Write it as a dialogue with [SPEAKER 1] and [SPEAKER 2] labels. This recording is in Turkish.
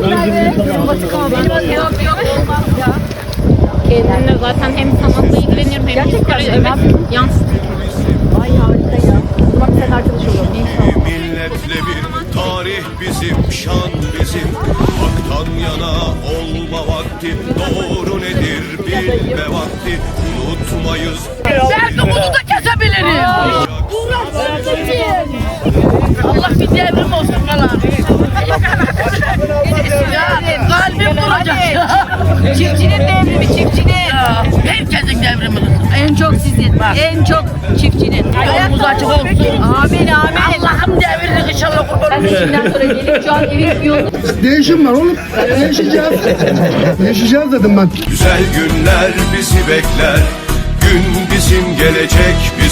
[SPEAKER 1] Kendimle zaten hem sanatla ilgileniyorum hem psikoloji, evet, yansıtım.
[SPEAKER 2] Ay harika ya. Bak sen arkadaş olalım. İnşallah.
[SPEAKER 3] Milletle bir tarih bizim, şan bizim. Haktan yana olma vakti, doğru nedir bilme vakti. Unutmayız.
[SPEAKER 4] Derdimizi da kesebilirim. Allah bir devrim olsun falan. Ya kalbim duracak.
[SPEAKER 2] Çiftçinin devrimi, çiftçinin.
[SPEAKER 4] Herkesin devrimi olsun.
[SPEAKER 2] En çok sizin. En çok çiftçinin.
[SPEAKER 4] Yolumuz açık olsun.
[SPEAKER 2] Amin amin.
[SPEAKER 4] Allah'ım devrini inşallah kurban
[SPEAKER 2] Ben de şimdiden sonra gelip şu an evin yolunu
[SPEAKER 5] Değişim var oğlum. Değişeceğiz. Değişeceğiz dedim ben.
[SPEAKER 3] Güzel günler bizi bekler. Gün bizim gelecek